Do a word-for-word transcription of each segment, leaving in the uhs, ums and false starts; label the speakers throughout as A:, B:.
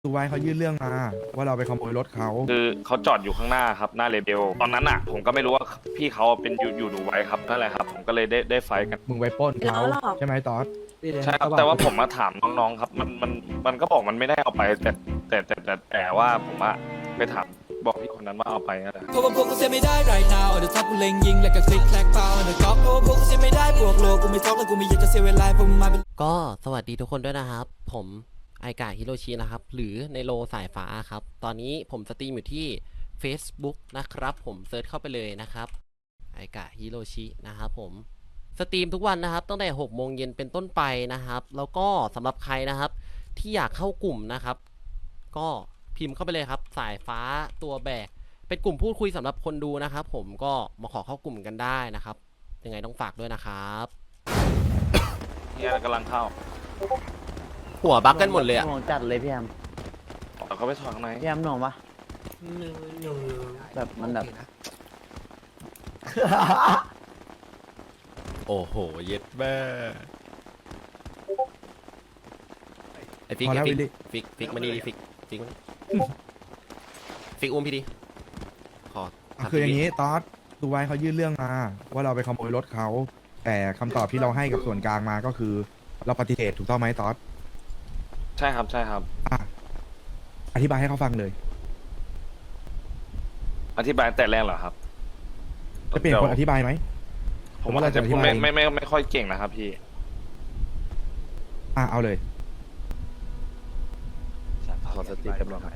A: ดูไว้เขายื่นเรื่องมาว่าเราไปขโมยรถเขา
B: คือเขาจอดอยู่ข้างหน้าครับหน้าเลเบลตอนนั้นอ่ะผมก็ไม่รู้ว่าพี่เขาเป็นอยู่อยู่ดูไว้ครับนั่นแหละครับผมก็เลยได้ได้ไฟท์กัน
A: มึงไปปล้นเขา
C: แล้วหรอ
A: ใช่ไหมตอส
B: ใช่ครับแต่ว่าผมมาถามน้องๆครับมันมันมันก็บอกมันไม่ได้เอาไปแต่แต่แต่แต่แต่ว่าผมอะไปถามบอกพี่คนนั้นว่าเอาไปนั่นแหละ
D: เพราะว่าพวกกูเสียไม่ได้ right now เดี๋ยวทับกูเล็งยิงแล้วก็คลิกแคลกเปล่าเดี๋ยวก๊อกเพราะว่าพวกกูเสียไม่ได้บวกโลกูไม่ท็อกแล้วกูไม่อยากจะเสียเวลาพวกมึงมาเป็น
E: ก็สวัสดีทุกคนด้วยนะครับ ผมไอกาฮิโรชินะครับ หรือในโลสายฟ้าครับ ตอนนี้ผมสตรีมอยู่ที่ Facebook นะครับ ผมเซิร์ชเข้าไปเลยนะครับไอกาฮิโรชินะครับผมสตรีมทุกวันนะครับตั้งแต่หกโมงเย็นเป็นต้นไปนะครับ แล้วก็สำหรับใครนะครับ ที่อยากเข้ากลุ่มนะครับ ก็พิมพ์เข้าไปเลยครับ สายฟ้าตัวแบกเป็นกลุ่มพูดคุยสำหรับคนดูนะครับ ผมก็มาขอเข้ากลุ่มกันได้นะครับ ยังไงต้องฝากด้วยนะครับ
B: เนี่ยกำลังเข้า
E: หัวบั๊กกันหมดเลยอะ
F: หน่วงจัดเลยพี่แอม
B: เอาเขาไปถอดข้างใน
F: พี่แอมหน่วงปะแบบมันแบบ
E: โอ้โห เย็ดแม่ไอฟิก
A: พอ
E: ไอ
A: แล้ว
E: ฟิ
A: วิ
E: ก
A: ลลี่
E: ฟิกฟิกมานี่ดิฟิกฟิกมานี่ฟิกอุ้มพี่ดิขอ
A: อ่ะคืออย่างนี้ตอสดูไว้เขายื่นเรื่องมาว่าเราไปขโมยรถเขาแต่คำตอบที่เราให้กับส่วนกลางมาก็คือ เราปฏิเสธถูกต้องไหมตอส
B: ใช่ครับใช่ครับ
A: อ่ะอธิบายให้เขาฟังเลย
B: อธิบายแต่แรกเหรอครับ
A: จะเปลี่ยนคนอธิบายไหม
B: ผมว่าอาจจะ
A: ผมว่าเราจะอธิ
B: พูด
A: บาย
B: ไม่ไม่ไม่ไม่ค่อยเก่งนะครับพี่
A: อ่ะเอาเลย
B: ขอสติกันบ้างครับ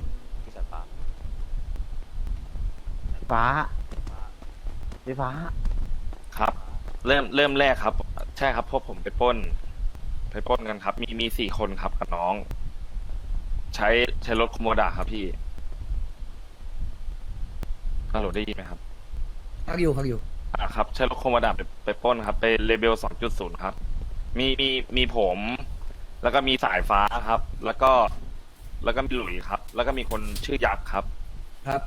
F: ฟ้าพี่ฟ้า
B: ครับ เริ่มเริ่มแรกครับ ใช่ครับพวกผมไปปล้น ไปปล้นกันครับ มีมีสี่คนครับกับน้อง ใช้ใช้รถโคโมดาครับพี่ฮัลโหลได้ยินไหมครับ
G: พักอยู่พักอยู่
B: อ่าครับใช้รถโคโมดาไปไปปล้นครับไปเลเบลสองจุดศูนย์ครับ มีมีมีผม แล้วก็มีสายฟ้าครับ แล้วก็แล้วก็มีหลุยครับ แล้วก็มีคนชื่อยักษ์ครับ
G: ครับ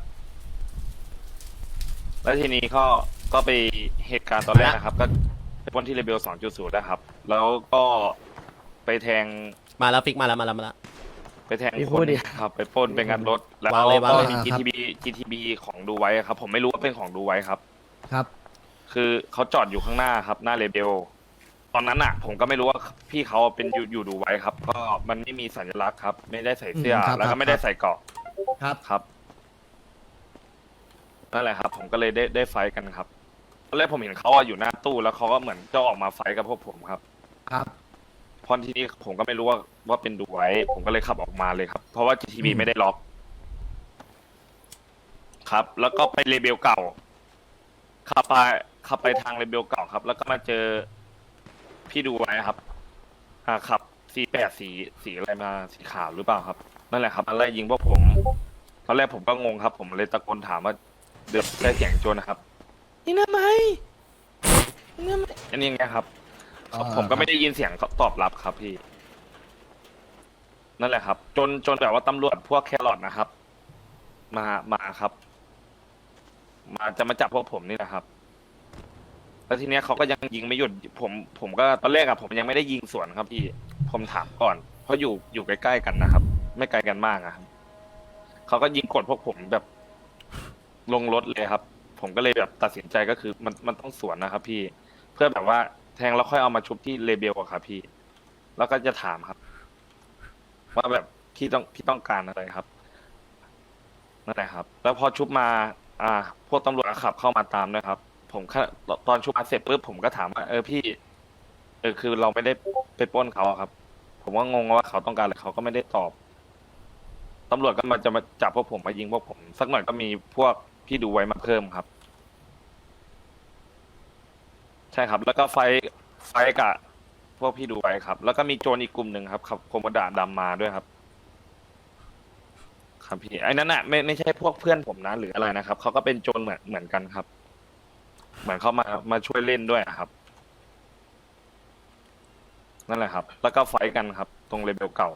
B: แล้วทีนี้ก็ก็ไปเหตุการณ์ตอนแรกนะครับ ก็ไปปล้นที่เลเบลสองจุดศูนย์นะครับ แล้วก็ไปแทง
E: มาแล้วฟิกมาแล้วมาแล้วมาแล้ว
B: ไปแทงคนครับ ไปปล้นไปงัดรถ แล้ว
E: วางเลยวาง
B: ก็
E: เลย
B: มี
G: ครับ
B: จี ที บี จี ที บี ของดูไว้ครับ ผมไม่รู้ว่าเป็นของดูไว้ครับ
G: ครับ
B: คือเขาจอดอยู่ข้างหน้าครับ หน้าเลเบลตอนนั้นอ่ะ ผมก็ไม่รู้ว่าพี่เขาเป็นอยู่อยู่ดูไว้ครับ ก็มันไม่มีสัญลักษณ์ครับ ไม่ได้ใส่เสื้อ
G: อืมครับ
B: แล้ว
G: ครั
B: ก็
G: บ
B: ไม่ได้ใส่เกราะ
G: ครับ
B: ครับนั่นแหละครับ ผมก็เลยได้ได้ไฟท์กันครับตอนแรกผมเห็นเขาอะอยู่หน้าตู้แล้วเขาก็เหมือนจะออกมาไฟท์กับพวกผมครับ
G: ครับ
B: เพราะที่นี่ผมก็ไม่รู้ว่าว่าเป็นดูไว้ ผมก็เลยขับออกมาเลยครับ เพราะว่า จี ที บี
G: อืม
B: ไม่ได้ล็อก ครับ แล้วก็ไปเลเบลเก่าขับไปขับไปทางเลเบลเก่าครับ แล้วก็มาเจอพี่ดูไว้ครับอ่าขับสีแปดสีสีอะไรมาสีขาวหรือเปล่าครับนั่นแหละครับมาไล่ยิงพวกผมตอนแรกผมก็งงครับ ผมเลยตะโกนถามว่าเดือดได้เสียงโจรนะครับยิงทำไมยิงทำไมอันนี้ไงครับ
G: อ่า
B: ผมก็ไม่ได้ยินเสียงตอบรับครับพี่ นั่นแหละครับ จนจนแบบว่าตำรวจพวกแครอทนะครับ มามาครับ มาจะมาจับพวกผมนี่แหละครับ แล้วทีเนี้ยเขาก็ยังยิงไม่หยุดผม ผมก็ตอนแรกอะผมยังไม่ได้ยิงสวนครับพี่ ผมถามก่อน เพราะอยู่อยู่ใกล้ๆกันนะครับ ไม่ไกลกันมากอะครับเขาก็ยิงกดพวกผมแบบลงรถเลยครับ ผมก็เลยแบบตัดสินใจก็คือมันมันต้องสวนนะครับ พี่ เพื่อแบบว่าแทงแล้วค่อยเอามาชุบที่เลเบลอะครับพี่ แล้วก็จะถามครับ ว่าแบบพี่ต้องพี่ต้องการอะไรครับนั่นแหละครับ แล้วพอชุบมา อ่า พวกตำรวจขับเข้ามาตามด้วยครับ ผมแค่ตอนชุบมาเสร็จปุ๊บผมก็ถามว่าเออพี่ เออคือเราไม่ได้ไปปล้นเขาอะครับ ผมก็งงว่าเขาต้องการอะไรเขาก็ไม่ได้ตอบตำรวจก็มาจะมาจับพวกผมมายิงพวกผม สักหน่อยก็มีพวกพี่ดูไว้มาเพิ่มครับ ใช่ครับ แล้วก็ไฟไฟกับพวกพี่ดูไว้ครับ แล้วก็มีโจรอีกกลุ่มหนึ่งครับขับโคโมดาดำมาด้วยครับ ครับพี่ไอ้นั่นน่ะไม่ไม่ใช่พวกเพื่อนผมนะหรืออะไรนะครับเขาก็เป็นโจรเหมือนเหมือนกันครับ เหมือนเขามามาช่วยเล่นด้วยอะครับ นั่นแหละครับ แล้วก็ไฟท์กันครับ ตรงเลเวลเก่า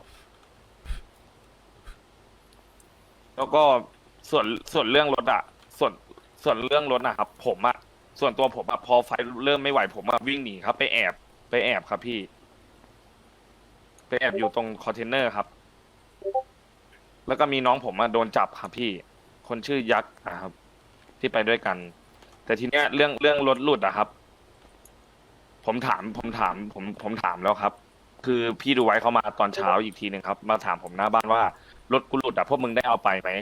B: แล้วก็ส่วนส่วนเรื่องรถอะส่วนส่วนเรื่องรถนะครับ ผมอะส่วนตัวผมอะพอไฟท์เริ่มไม่ไหวผมอะวิ่งหนีครับ ไปแอบไปแอบครับพี่ ไปแอบอยู่ตรงคอนเทนเนอร์ครับแล้วก็มีน้องผมมาโดนจับครับพี่ คนชื่อยักษ์นะครับ ที่ไปด้วยกัน แต่ทีเนี้ยเรื่องเรื่องรถหลุดอะครับ ผมถามผมถามผมผมถามแล้วครับ คือพี่ดูไว้เขามาตอนเช้าอีกทีหนึ่งครับ มาถามผมหน้าบ้านว่ารถกูหลุดอะพวกมึงได้เอาไปไหม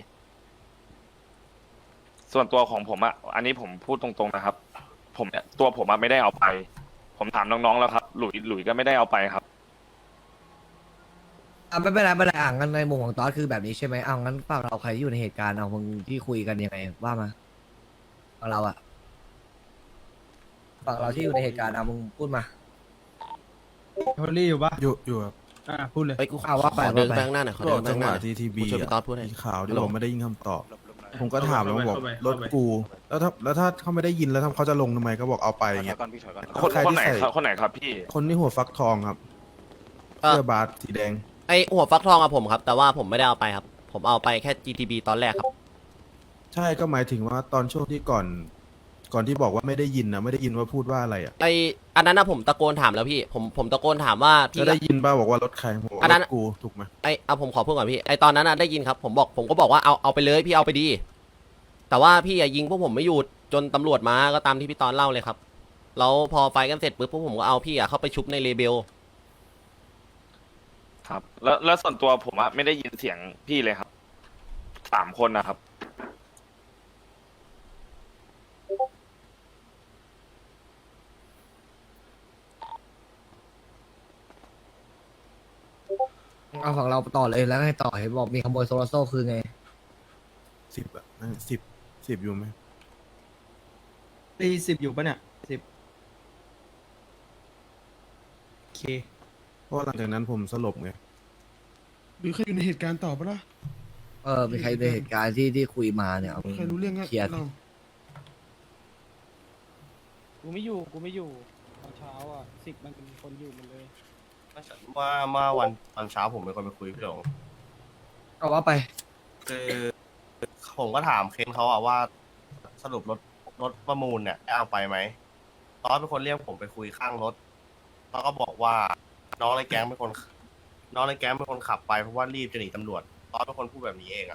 B: ส่วนตัวของผมอะอันนี้ผมพูดตรงๆนะครับ ผมเนี่ยตัวผมอะไม่ได้เอาไป ผมถามน้องๆแล้วครับ หลุยหลุยก็ไม่ได้เอาไปครับ
G: อ่ะไม่เป็นไรไม่เป็นไรอ่ะงั้นในมุมของตอสคือแบบนี้ใช่ไหมเอางั้นฝั่งเราใครที่อยู่ในเหตุการณ์เอามึงที่คุยกันยังไงว่ามาฝั่งเราอะฝั่งเราที่อยู่ในเหตุการณ์เอามึงพูดมา
C: โทลี่อยู่ปะ
H: อยู่อยู่ครับ
C: อ่าพูดเลย
E: เอ้ยกูข
G: อ่ะ
E: อ
G: ว่าไป
E: ขอเดิน
G: ว่าไป
E: ไปข้างหน้าหน่อยขอ
H: ก็
E: เดินไป
H: จัง
E: ข้าง
H: ห
E: หน้าว
H: ะที่ทีบี
E: ช่วยพี่ต๊อดพูดหน่อย
H: มีข่าวที่
E: ฮัลโหล
H: ผมไม่ได้ยินคำตอบ ผมก็
C: เข้าไป
H: ถามแล้วบอก
C: เข้าไป
H: รถ
C: เข้าไป
H: กู แล้วถ้าแล้วถ้าเขาไม่ได้ยินแล้วถ้าเขาจะลงทำไมก็บอกเอาไปอย่างเงี้ย
B: คน
H: ใคร
B: คน
H: ที่
B: ไหน
H: ใส่
B: ครับคนไหนครับพี่
H: คนที่หัวฟักทองครับ
E: เออ
H: เสื้อบาสสีแดง
E: ไอหัวฟักทองอะผมครับ แต่ว่าผมไม่ได้เอาไปครับ ผมเอาไปแค่ จี ที บี ตอนแรกครับ
H: ใช่ก็หมายถึงว่าตอนช่วงที่ก่อน ก่อนที่บอกว่าไม่ได้ยินนะไม่ได้ยินว่าพูดว่าอะไรอ่ะ
E: ไออันนั้นนะผมตะโกนถามแล้วพี่ ผมผมตะโกนถามว่าพี่
H: จะได้ยินป่ะบอกว่ารถใครผมบอก
E: อันนั้
H: ร
E: น
H: ถกูถูกไหม
E: ไอเอาผมขอพูดก่อนพี่ ไอตอนนั้นน่ะได้ยินครับ ผมบอกผมก็บอกว่าเอาเอาไปเลยพี่เอาไปดี แต่ว่าพี่อะยิงพวกผมไม่หยุดจนตำรวจมาก็ตามที่พี่ตอนเล่าเลยครับ แล้วพอไฟกันเสร็จปุ๊บพวกผมก็เอาพี่อะเข้าไปชุบในเลเบล
B: ครับ แล้วแล้วส่วนตัวผมอะไม่ได้ยินเสียงพี่เลยครับ สามคนนะครับ
G: เอาฝั่งเราต่อเลยแล้วให้ต่อเห็นบอกมีขโมยโซลาโซ่คือไง
H: สิบอ่ะสิบสิบอยู่ไหม
C: ตีสิบอยู่ปะเนี่ยสิบโอเค
H: เพราะว่าหลังจากนั้นผมสลบไง
I: หรือใครอยู่ในเหตุการณ์ต่อปะล่ะ
G: เออมีใครในเหตุการณ์ที่ที่คุยมาเนี่ยเอามึง
I: ใครรู้เรื่องอะ
G: เคลียร์สิ
I: เรา
J: กูไม่อยู่ กูไม่อยู่ ตอนเช้าอ่ะสิบมันเป็นคนอยู่หมดเลย
F: เมื่อเมื่อวันตอนเช้าผมเป็นคนไปคุยพี่หลง
G: เอาว่าไป
F: คือผมก็ถามเคนเขาอะว่าสรุปรถรถประมูลเนี่ยได้เอาไปไหมตอนเป็นคนเรียกผมไปคุยข้างรถแล้วก็บอกว่าน้องในแก๊งเป็นคนน้องในแก๊งเป็นคนขับไปเพราะว่ารีบจะหนีตำรวจตอนเป็นคนพูดแบบนี้เองอะ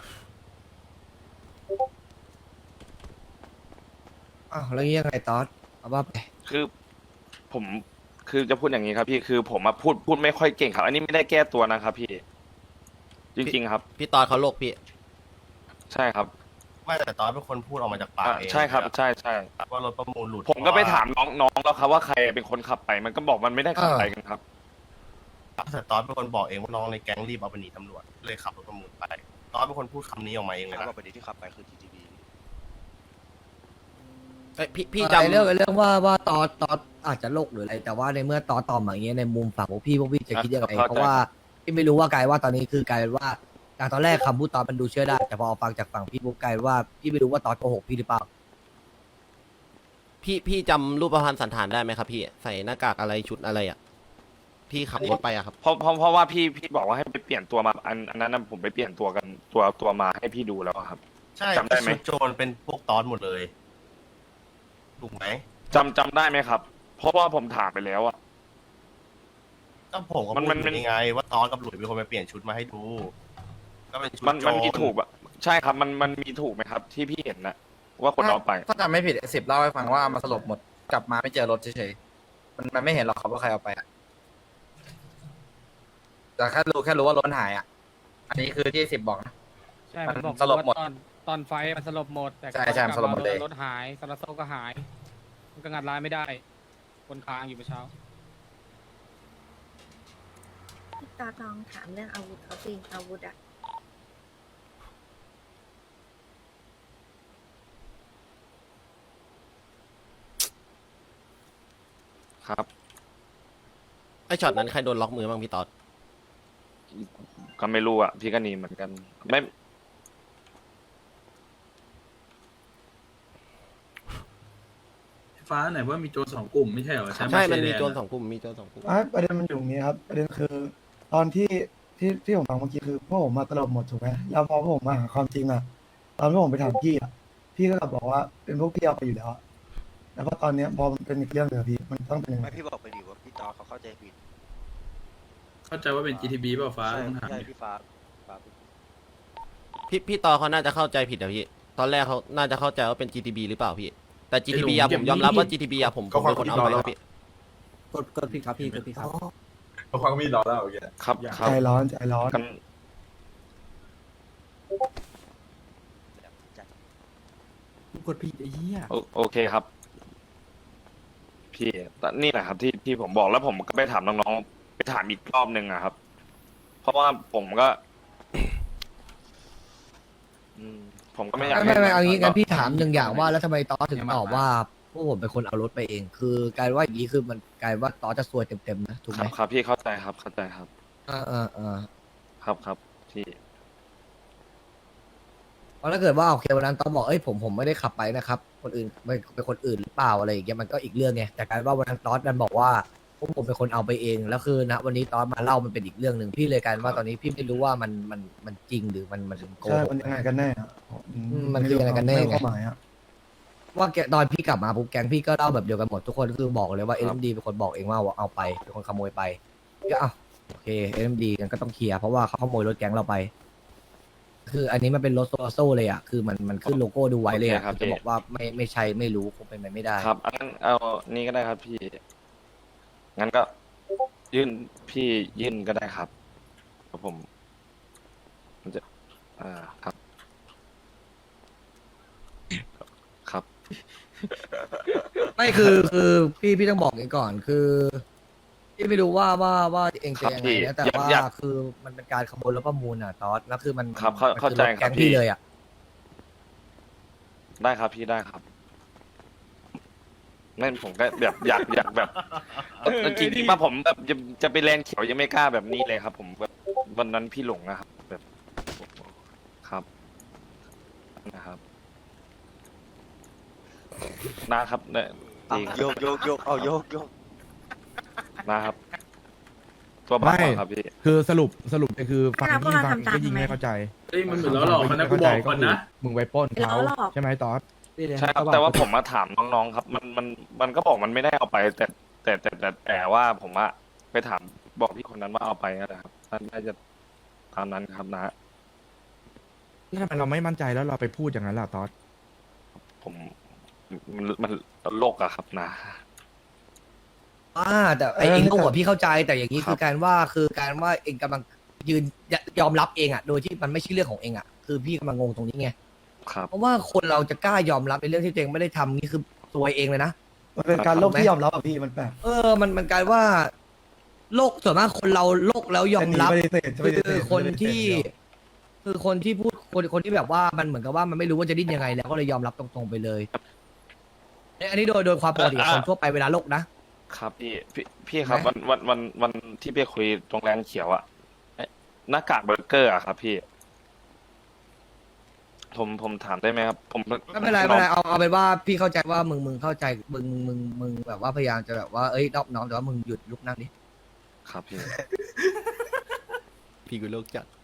G: อ้าวแล้วงี้ยังไงตอสเอาว่าไป
B: คือผมคือจะพูดอย่างนี้ครับพี่คือผมอะพูดพูดไม่ค่อยเก่งครับ อันนี้ไม่ได้แก้ตัวนะครับพี่ จริงๆครับ
E: พี่ตอนเขาโลกพี่
B: ใช่ครับ
F: ไม่แต่ตอนเป็นคนพูดออกมาจากปาก
B: อ่า
F: เอง
B: ใช่ครับ ใช่ใช่
F: ว่ารถประมูลหลุด
B: ผมก็ไปถามน้องน้องแล้วครับว่าใครเป็นคนขับไป มันก็บอกมันไม่ได้ขับไปกันครับ
F: แต่ตอนเป็นคนบอกเองว่าน้องในแก๊งรีบเอาไปหนีตำรวจเลยขับรถประมูลไปตอนเป็นคนพูดคำนี้ออกมาเองเลยนะ
E: เอ้ยพี่พี่
G: ไอ้
E: จำ
G: เรื่องไอ้เรื่องว่าว่าตอสตอสอาจจะโลกหรืออะไร แต่ว่าในเมื่อตอสตอบมาอย่างเงี้ยในมุมฝั่งพวกพี่พวกพี่จะคิดยังไง
B: เข้าใจ
G: เพราะว่าพี่ไม่รู้ว่ากลายว่าตอนนี้คือกลายเป็นว่าจากตอนแรกคำพูดตอสมันดูเชื่อได้แต่พอฟังจากฝั่งพี่ปุ๊บกลายเป็นว่าพี่ไม่รู้ว่าตอสโกหกพี่หรือเปล่า
E: พี่พี่จำรูปพรรณสันฐานได้ไหมครับพี่ ใส่หน้ากากอะไรชุดอะไรอ่ะ พี่ขับรถไปอะครับ
B: เพราะเพราะเพราะว่าพี่พี่บอกว่าให้ไปเปลี่ยนตัวมา อันอันนั้นนะผมไปเปลี่ยนตัวกันตัวตัวมาให้พี่ดูแล้วอะครับ
F: ใช่
B: จำได้ไหม
F: ชุโจรเป็นพวกตอนหมดเลยถูกไหม
B: จำจำได้ไหมครับ เพราะว่าผมถามไปแล้วอะ
F: ก็ผมก็
B: มัน
F: พูด
B: มัน
F: อยู่นี่ไง ว่าตอนกับหลุยเป็นคนไปเปลี่ยนชุดมาให้ดู ก็เป็นชุด
B: มัน
F: โจ
B: มันมี
F: ร
B: ถูกอะใช่ครับ มันมันมีถูกไหมครับ ที่พี่เห็นนะว่าคนเอาไป
K: ถ้าจำไม่ผิดสิบเล่าให้ฟังว่ามาสลบหมดกลับมาไม่เจอรถเฉยๆมันมันไม่เห็นหรอกครับว่าใครเอาไปอะแต่แค่รู้แค่รู้ว่ารถหายอ่ะ อันนี้คือที่สิบบอกนะ
J: ใช่
K: มั
J: มัน นบอก
K: สลบหมด
J: ว่าตอนตอนไฟท์มันสลบหมด แต่
K: ใช่ใช่มันสลบหมดเลย
J: รถหายซาลาโซก็หาย มันก็งัดร้านไม่ได้ คนค้างอยู่เมื่อเช้า
L: พี่ตาลองถามเรื่องอาวุธเขาสิอาวุธอะ
B: ครับ
E: ไอช็อตนั้นใครโดนล็อกมือบ้างพี่ตอด
B: ก็ไม่รู้อะพี่ก็หนีเหมือนกัน ไม่
C: ฟ้าไหนว่ามีโจรสองกลุ่มไม่ใช่เหรอ
E: ใช่ มันมีโจรสองกลุ่ม มีโจรสองกลุ่ม
I: ประเด็นมันอยู่ตรงนี้ครับ ประเด็นคือ ตอนที่ที่ที่ผมฟังเมื่อกี้คือพวกผมมาตลบหมดถูกไหมแล้วพอพวกผมมาหาความจริงอะตอนที่ผมไปถามพี่อะพี่ก็กลับบอกว่าเป็นพวกพี่เอาไปอยู่แล้วอะแล้วก็ตอนเนี้ยพอมันเป็นอีกเรื่องหนึ่งอะพี่มันต้องเป็นยังไง
K: ไม่พี่บอกไปดิว่าพี่ตอเขาเข้าใจผิด
C: เข้าใจว่าเป็น จี ที บี เปล่าฟ้าต้องถาม
K: ใช่พี่ฟ้าฟ้า
E: พี่พี่ตอเขาน่าจะเข้าใจผิดอะพี่ตอนแรกเขาน่าจะเข้าใจว่าเป็น จี ที บี หรือเปล่าพี่แต่ จี ที บี อะผมยอมรับว่า จี ที บี อะผมผมเป็นคนเอาไปครับพี่
G: กดกดพี่ครับพี่กดพี่ครับ
H: เขาความมีดรอแล้วโอเค
B: ครับครับ
I: ใจร้อนใจร้อน
B: กัน
G: กดพี่ไอ้เหี้ย
B: โอโอเคครับ พี่แต่นี่แหละครับที่ที่ผมบอกแล้วผมก็ไปถามน้องๆไปถามอีกรอบหนึ่งอะครับ เพราะว่าผมก็ อืมผมก็ไม่อยาก
G: ไม่ไม่ไม่เอางี้งั้น
B: ให้
G: พี่ถามหนึ่งอย่างว่าแล้วทำไมตอสถึงตอบว่าพวกผมเป็นคนเอารถไปเอง คือกลายว่าอย่างนี้คือมันกลายว่าตอสจะซวยเต็มๆนะถูก
B: ค
G: ไห
B: รั
G: ม
B: บครับพี่เข้าใจครับเข้าใจครับ
G: อ่าอ่าอ่า
B: ครับครับพี่
G: เพราะถ้าเกิดว่าโอเควันนั้นตอสบอกเอ้ยผมผมไม่ได้ขับไปนะครับ คนอื่นเป็นเป็นคนอื่นหรือเปล่าอะไรอย่างเงี้ยมันก็อีกเรื่องไงแต่กลายว่าวันนั้นตอสดันบอกว่าพวกผมเป็นคนเอาไปเองแล้วคือณวันนี้ตอสมาเล่ามันเป็นอีกเรื่องหนึ่งพี่เลยกลายว่าตอนนี้พี่ไม่รู้ว่ามันมันมันจริงหรือมันมันโก
I: ใช่
G: หก
I: มันยังไงกันแน่อะ
G: อืมมันคือยังไงกันแน่
I: ม่รู้
G: ไง
I: ความหมายอะ
G: ว่าแกตอนพี่กลับมาปุ๊บแก๊งพี่ก็เล่าแบบเดียวกันหมดทุกคนคือบอกเลยว่าเอ็มดีเป็นคนบอกเองว่าเอาไปเป็นคนขโมยไปก็อ้าวโอเคเอ็มดีกันก็ต้องเคลียร์เพราะว่าเขาขโมยรถแก๊งเราไป คืออันนี้มันเป็นรถโซโซเลยอ่ะคือมันมันขึ้นโลโก้ดูไว้เลยอ่ะ
B: โอเคครับ
G: จะบอกว่าไม่ไม่ใช่ไม่รู้คงเป็นไปไม่ได้
B: ครับงั้นเอานี่ก็ได้ครับพี่ งั้นก็ ยื่นพี่ยื่นก็ได้ครับครับผมมันจะ อ่าครับ ครับ
G: ไม่คือคือพี่พี่ต้องบอกเองก่อนคือพี่ไม่รู้ว่าว่าว่าเอง
B: ครั
G: จะ
B: บ
G: ยังไง
B: พี่
G: นะแต่
B: อยาก
G: ว่า
B: อยาก
G: คือมันเป็นการขโมยรถประมูลอ่ะตอสแล้วคือมัน
B: ครับเข้า
G: มัน
B: เข้าใจ
G: คือรถแก๊ง
B: ครับพี่
G: พี่เลยอ่ะ
B: ได้ครับพี่ได้ครับนั่นผมก็แบบอยากอยากแบบเออจริงๆว่าผมแบบจะจะไปแลนเขียวยังไม่กล้าแบบนี้เลยครับ ผมแบบวันนั้นพี่หลงนะครับ แบบครับนะครับนะครับเนี่ยจริง
F: โยกโยกโยกเอาโยกโยก
B: นะครับ ตัวบ้า
A: ไม่
B: ครับพี่
A: คือสรุปสรุปก็คือฟัง
L: แล้วพวก
A: ยิ่ง
L: เรา
A: ฟัง
L: ทำตาม
A: ก็ยิ่ง
L: ทำไม
A: ไม่เข้าใจ
J: เฮ้ยมันเหมือนล้อหลอกมันนะกูบอกก่อนนะ
A: มึงไปปล้นเขา
L: ล้อหลอก
A: ใช่ไหมตอส
B: ใช่ครับแต่ว่าผมมาถามน้องๆครับ มันมันมันก็บอกมันไม่ได้เอาไป แต่แต่แต่แต่แต่ว่าผมอะไปถามบอกพี่คนนั้นว่าเอาไปนะครับนั่นน่าจะตามนั้นครับนะ
A: แล้วทำไมเราไม่มั่นใจแล้วเราไปพูดอย่างนั้นล่ะตอส
B: ผมมันมันโลกอะครับนะ
G: อ่าแต่ไอเองก็หัวพี่เข้าใจแต่อย่างนี้
B: ครับ
G: คือการว่าคือการว่าเองกำลังยืนยอมรับเองอ่ะโดยที่มันไม่ใช่เรื่องของเองอ่ะคือพี่กำลังงงตรงนี้ไง
B: ครับ
G: เพราะว่าคนเราจะกล้ายอมรับในเรื่องที่ตัวเองไม่ได้ทำนี่คือซวยเองเลยนะ
I: มันเป็นการโลกที่ยอมรับอะพี่มันแปลก
G: เออ มัน มันกลายว่า โลกส่วนมากคนเราโลกแล้วยอมรับ
I: จะหนีปฏิเสธจะปฏิเสธ
G: คือคนที่
I: จะปฏิเสธเดียว
G: คือคนที่พูด คน คนที่แบบว่า มันเหมือนกับว่ามันไม่รู้ว่าจะดิ้นยังไง แล้วก็เลยยอมรับตรงๆไปเลยเนี่ยอันนี้โดย โดยความปกติของคนทั่วไปเวลาโลกนะ
B: ครับพี่พี่พี่ครับ
G: ไหม
B: วันวันวันวันที่ไปคุยตรงแลนเขียวอะเอ๊ะหน้ากากเบอร์เกอร์อะครับพี่ ผมผมถามได้ไหมครับ ผม
G: ไม่เป็นไรไม่เป็นไรเอา เอาเป็นว่าพี่เข้าใจว่ามึง มึงเข้าใจ มึง มึง มึงแบบว่าพยายามจะแบบว่า เอ้ยนอบน้อมแต่ว่ามึงหยุดลุกนั่งดิ
B: ครับพี่
E: พี่กูโลกจัด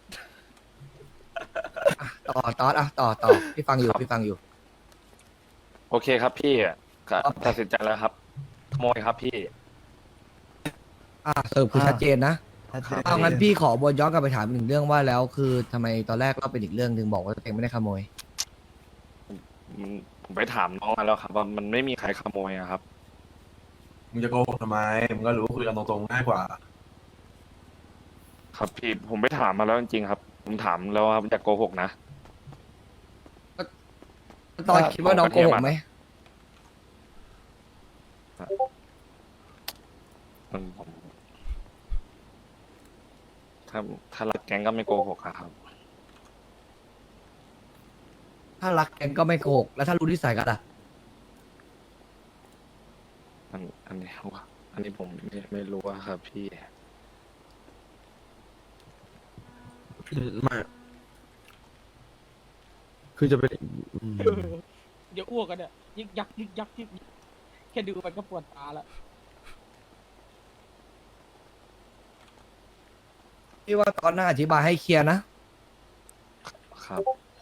G: อ่ะต่อต่ออ่ะต่อต่อพี่ฟังอยู่
B: ครับ
G: พี่ฟังอยู่
B: โอเคครับพี่ก็ตัดสินใจแล้วครับขโมยครับพี่
G: อ่ะสรุปคือชัดเจนนะ
I: ชัดเจน
G: เอางั้นพี่ขอบวนย้อนกลับไปถามอีกหนึ่งเรื่องว่าแล้วคือทำไมตอนแรกเราเป็นอีกเรื่องหนึ่งบอกว่าตัวเองไม่ได้ขโมย
B: ผมผมไปถามน้องมาแล้วครับ ว่ามันไม่มีใครขโมยอะครับ
H: มึงจะโกหกทำไมมึงก็รู้คุยกันตรงๆง่ายกว่า
B: ครับพี่ผมไปถามมาแล้วจริงๆครับ ผมถามแล้วครับอย่าโกหกนะ
G: ตอนคิดว่าน้องโกหกไหม
B: อืมผมถ้าถ้ารักแก๊งก็ไม่โกหกอะครับ
G: ถ้ารักแกงก็ไม่โกหกแล้วถ้ารู้นิสัยกันล่ะ
B: อันอันนี้ว่าอันนี้ผมไม่ไม่รู้อะครับ พี่
H: ไม่คือจะเป็นอืม
J: เดี๋ยวอ้วกกันเนี่ยยึกยักยึกยักยึกยักแค่ดูไปก็ปวดตาละ
G: พี่ว่าตอนหน้าอธิบายให้เคลียร์นะครับ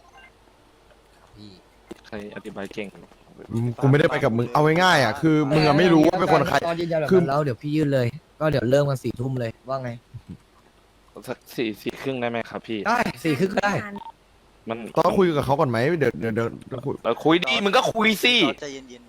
B: ใครอธิบายเก่ง
H: กูไม่ได้ไปกับมึงเอาง่ายๆอ่ะคือมึงอะไม่รู้ว่าเป็นคนใคร
G: ตอนยืนยันแบบ
H: คือ
G: นั้นแล้วเดี๋ยวพี่ยื่นเลย ก็เดี๋ยวเริ่มกันสี่ทุ่มเลยว่าไง
B: สักสี่สี่ครึ่งได้ไหมครับพี่
G: ได้สี่ครึ่งก็ได้
B: มัน
H: ต้องคุยกับเขาก่อนไหมเดี๋ยวเดี๋ยวเดี๋ยวเดี๋ยวคุย
B: เราคุยดีมึงก็คุยสิ
K: ใจเย็น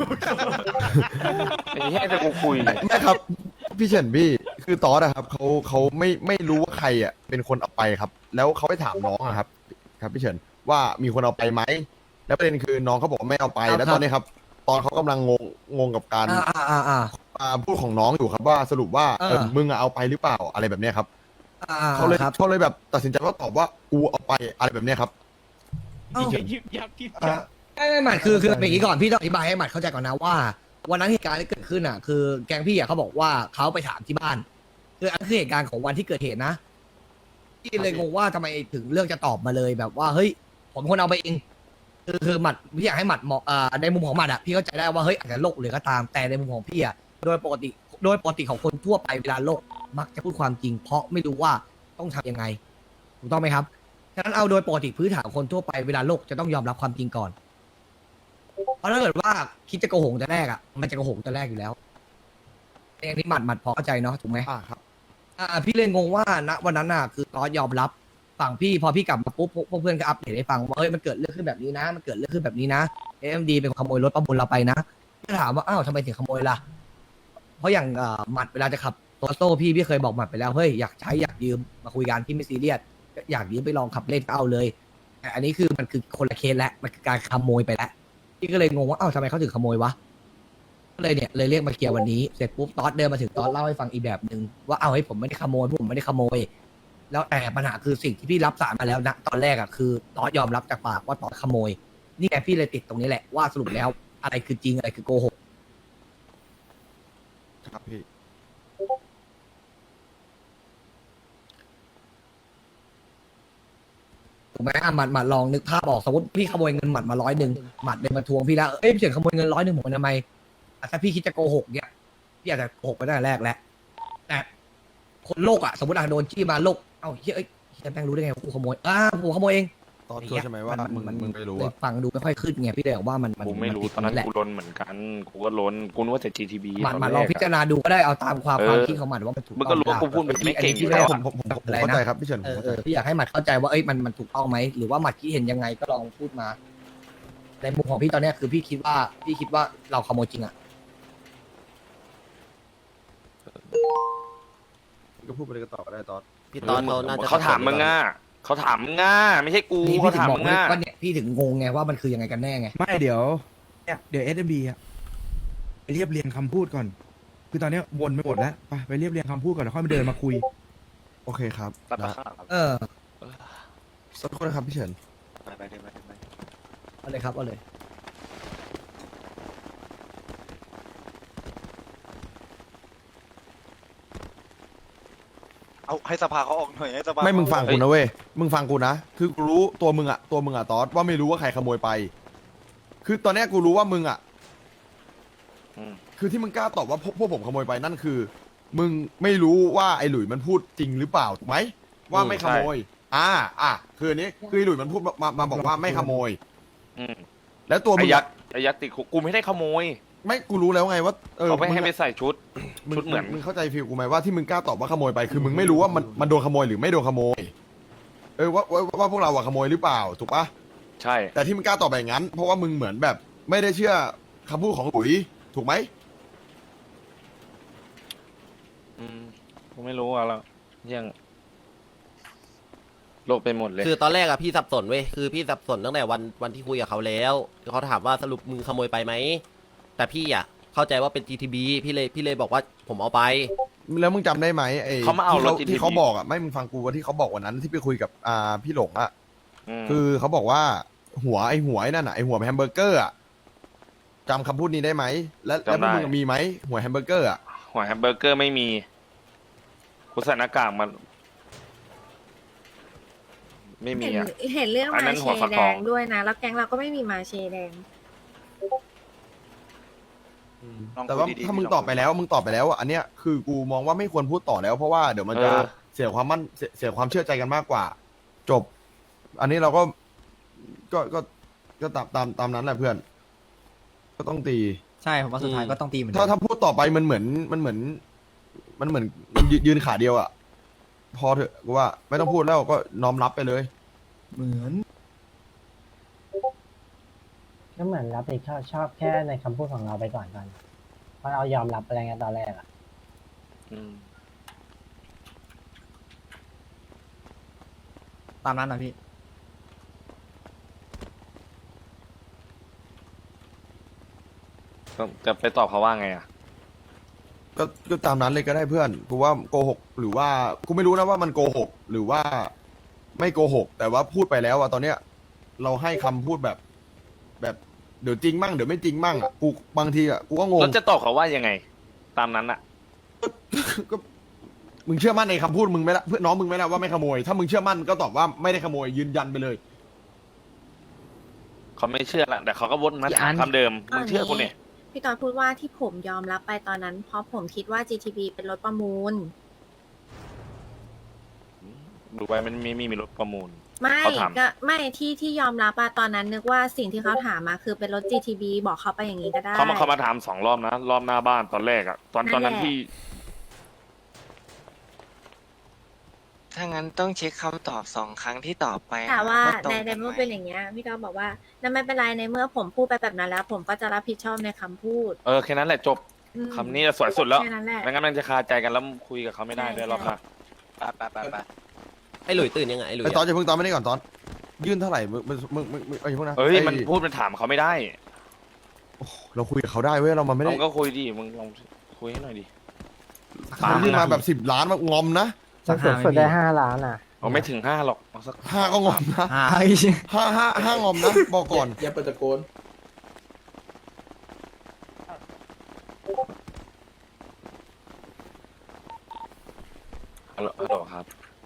B: ไอ้แค่จะกูคุย
H: ไม่ครับ พี่เฉินพี่คือตอสอะครับเขาเขาไม่ไม่รู้ว่าใครอะเป็นคนเอาไปครับ แล้วเขาไปถามน้องอะครับ ครับพี่เฉินว่ามีคนเอาไปไหมแล้วประเด็นคือน้องเขาบอกว่าไม่เอาไป
G: ครับ
H: แล้วตอนนี้ครับ ตอนเขากำลังงงงงกับการ
G: อ่าอ่าอ่าอ่า
H: อ่าพูดของน้องอยู่ครับว่าสรุปว่า
G: เออ
H: เออมึงอะเอาไปหรือเปล่าอะไรแบบเนี้ยครับ
G: อ่า
H: เขาเลย
G: ครับ
H: เขาเลยแบบตัดสินใจว่าตอบว่ากูเอาไปอะไรแบบเนี้ยครับ
G: เอ้า
J: ยิบยับยิบ
I: อ่ะ
G: ไม่ไม่หมัดคือคือเป็นอย่างนี้ก่อนพี่ต้องอธิบายให้หมัดเข้าใจก่อนนะว่าวันนั้นเหตุการณ์ที่เกิดขึ้นอ่ะ คือแกงพี่อ่ะเขาบอกว่าเขาไปถามที่บ้านคืออันคือเหตุการณ์ของวันที่เกิดเหตุนะพี่เลยงงว่าทำไมถึงเลือกจะตอบมาเลยแบบว่าเฮ้ยผมคนเอาไปเองคือคือหมัดพี่อยากให้หมัดเหมาะอ่าในมุมของหมัดอ่ะพี่เข้าใจได้ว่าเฮ้ยอาจจะโลกหรือก็ตามแต่ในมุมของพี่อ่ะโดยปกติโดยปกติของคนทั่วไปเวลาโลกมักจะพูดความจริง เพราะไม่รู้ว่าต้องทำยังไงถูกต้องไหมครับฉะนั้นเอาโดยปกติพื้นฐานของคนทั่วไปเวลาโลกจะต้องยอมรับความจริงก่อน เพราะถ้าเกิดว่าคิดจะโกหกแต่แรกอ่ะมันจะโกหกแต่แรกอยู่แล้วอย่างที่หมัดหมัดพอเข้าใจเนาะถูกไหม
H: อ่าครับ
G: อ่าพี่เลยงงว่าณวันนั้นน่ะคือตอนยอมรับฝั่งพี่พอพี่กลับมาปุ๊บพวกพวกเพื่อนก็อัปเดตให้ฟังว่าเฮ้ยมันเกิดเรื่องขึ้นแบบนี้นะ มันเกิดเรื่องขึ้นแบบนี้นะเอ็มดีเป็นคนขโมยรถประมูลเราไปนะก็ถามว่าอ้าวทำไมถึงขโมยล่ะเพราะอย่างอ่าหมัดเวลาจะขับโตโต้พี่พี่เคยบอกหมัดไปแล้วเฮ้ยอยากใช้อยากยืมมาคุยกันพี่ไม่ซีเรียสอยากยืมไปลองขับเล่นก็เอาเลยแต่อันนี้คือมันคือคนละเคสแล้วมันคือการขโมยไปแล้วพี่ก็เลยงงว่าอ้าวทำไมเขาถึงขโมยวะก็เลยเนี่ยเลยเรียกมาเคลียร์วันนี้เสร็จปุ๊บตอสเดินมาถึงตอสเล่าให้ฟังอีกแบบหนึ่งว่าอ้าวเฮ้ยผมไม่ได้ขโมยผมไม่ได้ขโมย แล้วแต่ปัญหาคือสิ่งที่พี่รับสารมาแล้วนะตอนแรกอ่ะคือตอสยอมรับจากปากว่าตอสขโมย นี่ไงพี่เลยติดตรงนี้แหละว่าสรุปแล้วอะไรคือจริงอะไรคือโกหก
H: ครับพี่
G: ถูกไหมอ่ะหมัดหมัดลองนึกภาพออกสมมติพี่ขโมยเงินหมัดมาร้อยหนึ่งหมัดเดินมาทวงพี่แล้วเอ้ยพี่เฉินขโมยเงินร้อยหนึ่งผมทำไมอ่ะถ้าพี่คิดจะโกหกเนี่ยพี่อาจจะโกหกไปตั้งแต่แรกแล้วแต่คนโลกอ่ะสมมติอ่ะโดนจี้มาโลกเอ้าเฮ้ยเอ้ยเฮียแม่งรู้ได้ไงว่ากูขโมยอ้าวกูขโมยเอง
H: ตอนชัวร์ใช่ไหมว่ามึงมึงไม่รู้
G: เลย
H: อะ
G: ฟังดูไม่ค่อยขึ้นไงพี่เลยบอกว่ามันมัน
B: กูไม่รู้
G: ติด
B: ตอนนั้น
G: แหละ
B: กูล้นเหมือนกันกูก็ล้นกูนึกว่าจะ จี ที บี
G: หมัด
B: ตอน
G: หมัด
B: แร
G: ลอง
B: ก
G: พิจาร
B: อะ
G: ณาดูก็ได้เอาตามความ
B: เออ
G: ความคิดของหมัดว่ามันถูก
B: มึงก็รู้ว่ากูพูด
G: เปล่
B: ไม่เก่ง
G: อันนี้พี่
B: อยู่แล้ว
G: ผม
H: ผมผมผม
G: อะไร
H: เข้า
G: นะ
H: ใจครับพี่เฉินผ
G: เอ
H: ม
G: อ
H: เข้า
G: เอ
H: ใจ
G: อพี่อยากให้หมัดเข้าใจว่าเอ้ยมันมันถูกต้องไหมหรือว่าหมัดคิดเห็นยังไงก็ลองพูดมา ในมุมของพี่ตอนเนี้ยคือพี่คิดว่าพี่คิดว่าเราขโมยจริงอ่ะ
H: ก็พูดไปเลยก็ตอบก็ได้ตอน
E: พี่ตอนเขาน่าจะ
B: เขาถามมึงอ่ะเขาถามมึงอ่ะไม่ใช่กู
G: พี่
B: เขา
G: พี่ถึง
B: ถาม
G: บอก
B: มึง
G: ว่า
B: อ่ะ
G: ว่าเนี่ยพี่ถึงงงไงว่ามันคือยังไงกันแน่ไง
A: ไม่เดี๋ยวเนี่ยเดี๋ยวเอสเอ็มบีอะไปเรียบเรียงคำพูดก่อน คือตอนเนี้ยวนไปหมดแล้วไปไปเรียบเรียงคำพูดก่อนแล้วค่อยมาเดินมาคุย
H: โอเคครับ
B: ตัด
H: นะ
B: ราคาครับ
G: เออ
H: สักคนนะครับพี่เฉิน
B: ไปไปไปไปไป
G: เอาเลยครับเอาเลย
K: เอาให้สภาเขาออกหน่อยให้สภา
H: ไม่มึงฟังกูนะเว้ยมึงฟังกูนะคือกูรู้ตัวมึงอะตัวมึงอะตอสว่าไม่รู้ว่าใครขโมยไป คือตอนเนี้ยกูรู้ว่ามึงอะ
B: อืม
H: คือที่มึงกล้าตอบว่าพวกพวกผมขโมยไปนั่นคือ มึงไม่รู้ว่าไอ้หลุยมันพูดจริงหรือเปล่าถูกไหมว่าไม่ขโมย อ่า อ่ะคืออันนี้คือไอ้หลุยมันพูดมามามาบอกว่าไม่ขโมย
B: อืม
H: แล้วตัวมึ
B: ไอ้
H: ง
B: ยักษ์ไอ้ยักษ์ติดคุกกูไม่ได้ขโมย
H: ไม่กูรู้แล้วไงว่าเออ
B: เขาไม่ให้
H: ง
B: ไป
H: อะ
B: ใส่ชุด
H: มึง
B: ชุดเหมือน
H: มึงเข้าใจฟีลกูไหมว่าที่มึงกล้าตอบว่าขโมยไปคือมึงไม่รู้ว่ามันมันโดนขโมยหรือไม่โดนขโมย เออว่าว่าว่าพวกเราอะขโมยหรือเปล่าถูกปะ
B: ใช่
H: แต่ที่มึงกล้าตอบแบบนั้น เพราะว่ามึงเหมือนแบบ ไม่ได้เชื่อคำพูดของหลุยถูกไหม
B: อืมกูไม่รู้อะแล้วยังโลกไปหมดเลย
E: คือตอนแรกอะพี่สับสนเว้ยคือพี่สับสนตั้งแต่วันวันที่คุยกับเขาแล้วเขาถามว่าสรุปมึงขโมยไปไหมแต่พี่อะเข้าใจว่าเป็น จี ที บี พี่เลยพี่เลยบอกว่าผมเอาไป
H: แล้วมึงจำได้ไหมไอ้
B: เขามาเอารถ
H: ที่
B: จี ที บี
H: ที่เขาบอกอะไม่มึงฟังกูว่าที่เขาบอกวันนั้นที่ไปคุยกับอ่าพี่หลงอะ
B: ม
H: คือเขาบอกว่าหัวไอ้หัวไอ้นั่นอะไอ้หัวแฮมเบอร์เกอร์อะจำคำพูดนี้ได้ไหมและแล้วพวกมึงมีไหมหัวแฮมเบอร์เกอร์อะ
B: หัวแฮมเบอร์เกอร์ไม่มีกูใส่หน้ากากมันไม่มี
L: เห็น
B: อ่ะ
L: เห็นเรื่อง
B: อันนั้
L: มาน เช
B: หัวฝัก
L: แด
B: ทอง
L: งด้วยนะ แล้วแก๊งเราก็ไม่มีมาเชแดง
H: แต่ว่าถ้ามึงตอบไปแล้วมึงตอบไปแล้วอะอันเนี้ยคือกูมองว่าไม่ควรพูดต่อแล้ว เพราะว่าเดี๋ยวมันจะ
B: เออ
H: เสียความมั่นเสียเสียความเชื่อใจกันมากกว่า จบ อันนี้เราก็ก็ก็ก็ตามตามตามนั้นแหละเพื่อน ก็ต้องตี
C: ใช่ผมว่าสุดท้ายก็ต้องตีเหมือนกั
H: ถ้าถ้าพูดต่อไปมันเหมือนมันเหมือน มันเหมือนมันยืนยืนขาเดียวอะพอเถอะกูว่า ไม่ต้องพูดแล้วก็น้อมรับไปเลย
I: เหมือน
M: ก็เหมือนรับผิดชอบชอบแค่ในคำพูดของเราไปก่อนก่อนเพราะเรายอมรับอะไรเงี้ยตอนแรกอะ
B: อืม
C: ตามนั้นนะพี่
B: ก็จะไปตอบเขาว่าไงอ่ะ
H: ก็ก็ตามนั้นเลยก็ได้เพื่อนกูว่าโกหกหรือว่ากูไม่รู้นะว่ามันโกหกหรือว่าไม่โกหก แต่ว่าพูดไปแล้วอะตอนเนี้ย เราให้คำพูดแบบ แบบเดี๋ยวจริงมั่งเดี๋ยวไม่จริงมั่งอะกูบางทีอะกูก็งง
B: แล้วจะตอบเขาว่ายังไง ตามนั้นอ่ะ
H: ก็มึงเชื่อมั่นในคำพูดมึงไหมล่ะเพื่อนน้องมึงไหมล่ะว่าไม่ขโมย ถ้ามึงเชื่อมั่นก็ตอบว่าไม่ได้ขโมยยืนยันไปเลย
B: เขาไม่เชื่อละแต่เขาก็วนมาถามคำเดิมมึงเชื่อกูเนี่ย
L: พี่ตอนพูดว่าที่ผมยอมรับไปตอนนั้น เพราะผมคิดว่า จี ที บี เป็นรถประมูล
B: ดูไว้มันมีมีมีรถประมูล
L: ไม่
B: เขาถาม
L: ก็ไม่ที่ที่ยอมรับอะตอนนั้นนึกว่าสิ่งที่เขาถามมาคือเป็นรถ จี ที บี บอกเขาไปอย่างนี้ก็ได้
B: เขามาเขามาถามสองรอบนะ รอบหน้าบ้านตอนแรกอ่ะ ตอนตอนนั้น
L: นั่นแหละ
B: ที่
N: ถ้างั้นต้องเช็คคำตอบสองครั้งที่ตอบไป
L: แต่ว่า
N: ตรง
L: ใน
N: กั
L: ใน
N: น
L: เมื่อ
N: ไหม
L: เป็นอย่างเงี้ยพี่ก็บอกว่านั่นไม่เป็นไรในเมื่อผมพูดไปแบบนั้นแล้ว ผมก็จะรับผิดชอบในคำพูด
B: เออแค่นั้นแหละจบ
L: อืม
B: คำนี้สวยสุดแล้ว
L: แค่นั้นแหละ
B: ไม่งั้นมันจะคาใจกันแล้วคุยกับเขาไม่ได้ด้วยรอบหน้า
N: ไปไปไปไป
E: ไอ้หลุยตื่นยังไงไอ้หลุย
H: ไอ้ตอน
E: อะ
H: จะเพิ่งตอนไม่ได้ก่อนตอน ยื่นเท่าไหร่มึงมึงมึงมึงมึงไอ้พวกนั้น
B: เอ้ย
H: ไอ้
B: มันพูดมันถามเขาไม่ได้
H: เราคุยกับเขาได้เว้ยเรามันไม่ได้
B: มึงก็คุยดิมึงลองคุยให้หน่อยดิ
H: เขายื่นมาแบบสิบล้านมางอมนะ
M: สูงสุดได้ห้าล้านอ่ะ
B: เอาไม่ถึงห้าหรอกเอาสัก
H: ห้าก็งอมนะ
C: หา
H: ห้าห้าห้างอมนะบอกก่อน
C: อย่าเปิดตะโกน
B: ฮัลโหลฮัลโหลครับ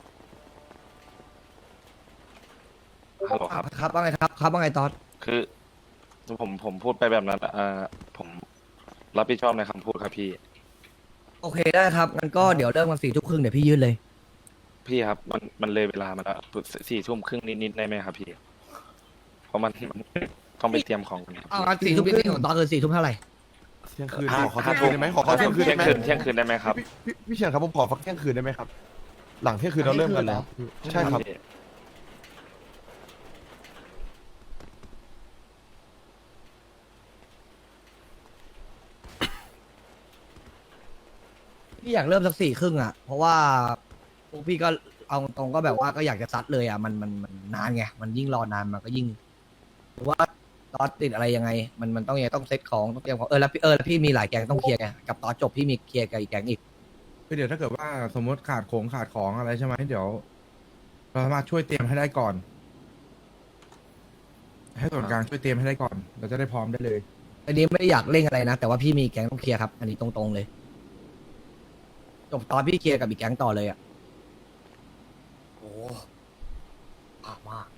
B: ฮัลโหลครับ
G: ครับว่าไงครับครับว่าไงตอน
B: คือผมผมพูดไปแบบนั้นเอ่อผมรับผิดชอบในคำพูดครับพี่
G: โอเคได้ครับงั้นก็เดี๋ยวเริ่มกันสี่ทุ่มครึ่งเดี๋ยวพี่ยื่นเลย
B: พี่ครับมันมันเลยเวลามาแล้วสี่ทุ่มครึ่งนิดๆได้ไหมครับพี่ เพราะมันมันต้องไปเตรียมของกันเนี่ย
G: เอางั้นสี่ทุ่มครึ่งของตอนคือสี่ทุ่มเท่าไหร่
H: เที่ยงคืน
B: ห้า
H: ขอเที่ยงคืนได้ไหมขอขอเที่ยงคืน
B: เที่ย
H: ได้
B: ง
H: ไหม
B: คืนเที่ยงคืนได้ไหมครับ
H: พี่พี่พี่เฉียนครับผมขอฟักเที่ยงคืนได้ไหมครับ หลังเที่ยงคืนเราเริ่มกันแล้วใช่ครับ
G: พี่อยากเริ่มสักสี่ครึ่งอ่ะ เพราะว่าพวกพี่ก็เอาตรงก็แบบว่าก็อยากจะซัดเลยอ่ะมันมันมันนานไงมันยิ่งรอนานมันก็ยิ่งหรือว่าตอนติดอะไรยังไง มันมันต้องยังไงต้องเซตของต้องเตรียมของเออแล้วพี่เออแล้วพี่มีหลายแกงต้องเคลียร์ไงกับตอนจบพี่มีเคลียร์กับอีกแกงอีก
A: คือเดี๋ยวถ้าเกิดว่าสมมติขาดของขาดของอะไรใช่ไหมเดี๋ยวเราสามารถช่วยเตรียมให้ได้ก่อน ให้ส่วนกลางช่วยเตรียมให้ได้ก่อน เราจะได้พร้อมได้เลย
G: อันนี้ไม่ได้อยากเร่งอะไรนะ แต่ว่าพี่มีแก๊งต้องเคลียร์ครับ อันนี้ตรงๆเลยจบตอนพี่เคลียร์กับอีกแก๊งต่อเลยอ่ะโอ้มากมาก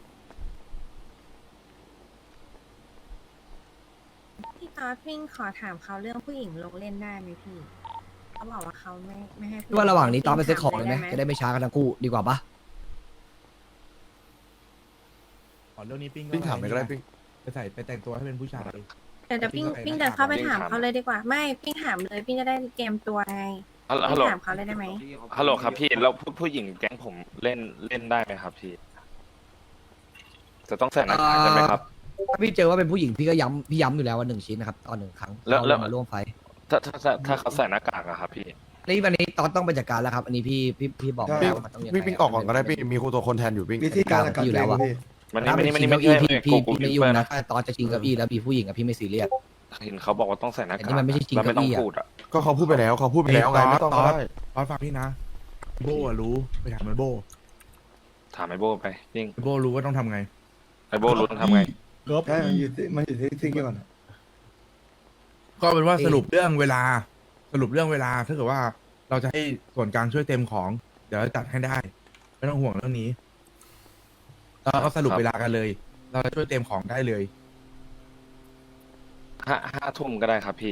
L: พี่ตอดวิ่งขอถามเขาเรื่องผู้หญิงลงเล่นได้ไหมพี่เขาบอกว่าเขาไม่ไม่ให้ผู้
G: พี่ว่าระหว่างนี้ตอนไปเซ็ตของเลยไหม
L: ด้
G: จะได้ไม่ช้ากันทั้งคู่ดีกว่าปะ
A: ขอเรื่องนี้ปิ้ง
H: ปิ้งถามไปก็ได้ปิ้ง
A: ไปใส่ไปแต่งตัวให้เป็นผู้ชาย
L: เดี๋ยวเดี๋ยวปิ้ง
A: ปิ้
L: ปิ้
A: ง
L: ง
A: ก็ไป
L: เดินเข้าไป
B: ปิ้ง
L: ถาม
B: ถาม
L: เขาเลยดีกว่า ไม่ปิ้งถามเลยปิ้งจะได้เตรียมตัวไง
B: ฮัลโหล
L: ปิ้
B: ฮัลโหล
L: งถามเขาเลยได้ไหม
B: ฮัลโหลครับพี่แล้วผู้ผู้หญิงแก๊งผมเล่นเล่นได้ไหมครับพี่ จะต้องใส่หน้ากากใช่ไหมครับ
G: ถ้าพี่เจอว่าเป็นผู้หญิงพี่ก็ย้ำพี่ย้ำอยู่แล้วว่าหนึ่งชิ้นนะครับตอนหนึ่งครั้ง
B: แล้วแล้ว
G: เรามาร่วมไฟ
B: ถ้าถ้าถ้าถ้าเขาใส่หน้ากากอะครับพี่
G: นี่วันนี้ตอนต้องไปจัดการแล้วครับ อันนี้พี่พี่พี่บอก
H: ปิ้ง
G: แล้วว่ามันต้องยังไง
H: ปิ้งปิ้งออกก่อนก็ได้ปิ้งมีครูตัวคนแทนอยู่ปิ้ง
I: วิธีการกัด
G: อยู่
I: เอ
G: แล้ว
I: ง
G: อะ
I: พี่
B: มันนี่
G: ถ้า
B: มัน
G: เป็น
B: นี่มัน
G: ชิ
B: นี่
G: ง
B: ไม่
G: เก้า
B: ใช่
G: อี้พี่
B: กู
G: พี่
B: กู
G: พี่ไม่
B: คิด
G: ยุ่ง
B: ว่า
G: นะ
B: นะ
G: ถ้าตอนจะชิงเก้าอี้แล้วมีผู้หญิงอะพี่ไม่ซีเรียส
B: เห็นเขาบอกว่าต้องใส่หน้ากาก
G: แต่นี่มันไม่ใช่จริง
B: แล้วไม่ต้อง
G: เก้าอี้อะ
B: พูดอะ
H: ก็เขาพูดไปแล้วเขาพูดไปแล้วไงไม่ต้องก็ได้
A: ตอนฟังพี่นะ โบอะรู้ไปถามมันโบ
B: ถามไอโบไปจริง
A: โบรู้ว่าต้องทำไง
B: ไอโบรู้ต้องทำไง
I: ใช่มันอยู่ที่มันอยู่ที่ที่ก่อนอะ
A: ก็เป็นว่าสรุปเรื่องเวลา สรุปเรื่องเวลาถ้าเกิดว่าเราจะให้ส่วนกลางช่วยเต็มของ เดี๋ยวจะจัดให้ได้ ไม่ต้องห่วงเรื่องนี้เราก็สรุป
B: ครับ
A: เวลากันเลย เราจะช่วยเต็มของได้เลย
B: ห้าห้าทุ่มก็ได้ครับพี่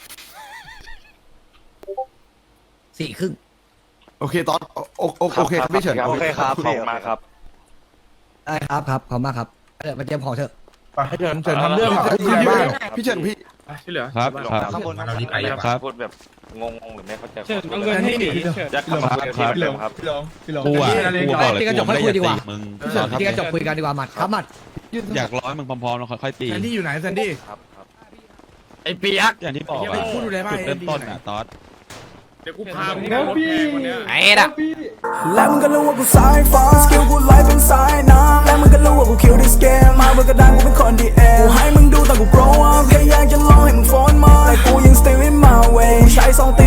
G: สี่ครึ่ง
H: โอเคตอนโอโอโอโอเคครับพี่เฉิน
B: โอเคครับขอบคุณมากครับ
G: ได้ครับครับขอบคุณมากครับเดี๋ยวมาเตรียมของเถอะ
A: ไปให้เชิญเชิญทำเรื่อง
H: พี่
A: ที่บ้าน
H: พี่เฉินพี่
J: ที่เหลือ
K: ครับ
B: ข้างบนเราดีไปครับพูดแบบงงๆหรือไม่เข้าใจ
J: เชิญเอาเงินให้หนีเชิญ
B: ยักษ์ขับมาที่เดิมครับ
I: พี่ลองพี่ลอง
K: กูอ่ะกูบอกเลย
G: ที่กระจ
K: กู
G: กค่
K: ไม่
G: อย
K: ได้
G: คุ
K: อย ยาก
G: ดีกว่า
K: ตีมึง
H: พี่เฉินครับ
G: ที่กระจกคุยกันดีกว่าหมัดครับหมัด
O: อยากร้อยมึงพร้อมๆแล้วค่อยๆตี
A: แซนดี้อยู่ไหนแซนดี้
B: ครับครับ
K: ไอ้เปียก
O: อย่างที่บอก
A: เดี๋ยว
O: อะ
A: ไปพูดดูเลยว่า
O: จุดเริ่มต้นอะตอส
J: เดี๋ยวกูพามึงไปรถแพงวันเนี้ย
K: ไอ้ด่ะ
D: และมึงก็รู้ว่ากูสายฟ้าสกิลกูไล่เป็นสายน้ำและมึงก็รู้ว่ากูคิวดิสเกมมาเบอร์กระดานกูเป็นคนดีเอกูให้มึงดูตอนกู grow up แค่อยากจะลองให้มึงฟ้อนมาแต่กูยัง still in my way ใช้สองเต